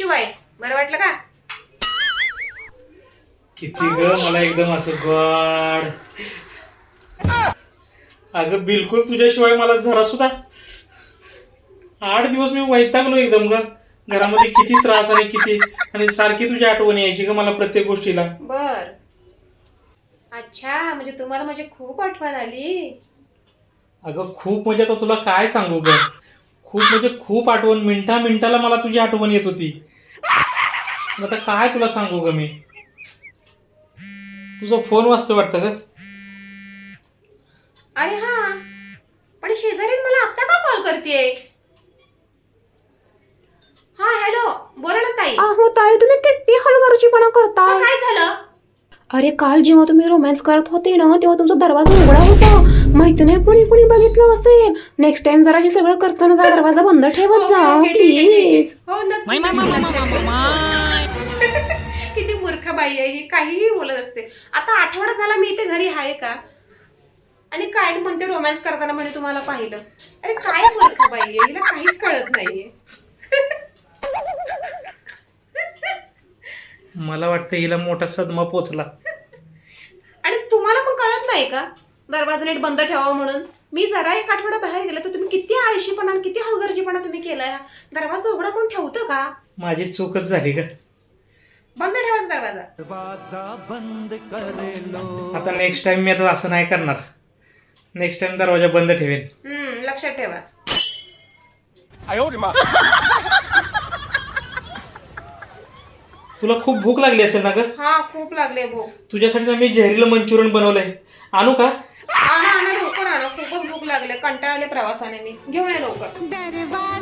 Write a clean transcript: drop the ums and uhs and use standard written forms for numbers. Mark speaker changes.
Speaker 1: शिवाय बरं वाटलं का?
Speaker 2: किती ग मला एकदम असं गॉड. अगं बिलकुल तुझ्याशिवाय मला जरा सुद्धा 8 दिवस मी वैतागलो एकदम ग. घरामध्ये किती त्रास आणि सारखी तुझी आठवण यायची ग मला प्रत्येक गोष्टीला.
Speaker 1: बर. अच्छा, म्हणजे तुम्हाला माझी खूप आठवण आली.
Speaker 2: अगं खूप म्हणजे आता तुला काय सांगू ग. खूप म्हणजे खूप आठवण, मिनिटा मिनिटाला मला तुझी आठवण येत होती. आता काय तुला सांगू ग मी. तुझा फोन वाजतो वाटतं ग.
Speaker 1: अरे हा, पण शेजारी मला आत्ता का कॉल करतेय? हा हॅलो, बोला ना ताई.
Speaker 3: अहो ताई, तुम्ही किती हलगर्जीपणा करताय.
Speaker 1: काय झालं?
Speaker 3: अरे काल जेव्हा तुम्ही रोमॅन्स करत होते ना, तेव्हा तुमचा दरवाजा उघडा होता. माहिती नाही कुणी कुणी बघितलं असेल. नेक्स्ट टाइम जरा हे सगळं करताना जरा दरवाजा बंद ठेवत जा
Speaker 1: ओके, ठीक आहे, ठीक आहे.
Speaker 3: प्लीज.
Speaker 1: हो नक्की. किती मूर्ख बाई आहे ही, काहीही बोलत असते. आता आठवडा झाला मी इथे घरी आहे का? आणि काय म्हणते रोमॅन्स करताना म्हणे तुम्हाला पाहिलं. अरे काय मूर्ख बाई आहे, हिला काहीच कळत नाहीये.
Speaker 2: मला वाटतं हिला मोठा सदमा पोचला.
Speaker 1: आणि तुम्हाला पण कळत नाही का दरवाजा नीट बंद ठेवावा म्हणून? मी जरा एक आठवडा बाहेर गेले तर तुम्ही किती आळशीपणा आणि किती हलगर्जीपणा तुम्ही केलाय. दरवाजा उघडा कोण ठेवतं का?
Speaker 2: माझी चूकच झाली ग.
Speaker 1: बंद ठेवायचा दरवाजा.
Speaker 2: आता नेक्स्ट टाइम मी आता असं नाही करणार. नेक्स्ट टाइम दरवाजा बंद ठेवेन.
Speaker 1: लक्षात ठेवा.
Speaker 2: तुला खूप भूक लागली असेल ना ग.
Speaker 1: हा खूप लागले भूक.
Speaker 2: तुझ्यासाठी ना मी जहरीलं मंचुरियन बनवलंय. आणू का?
Speaker 1: आणा आणा लवकर आणा, खूपच भूक लागले, कंटाळले प्रवासाने मी. घेऊन ये लवकर.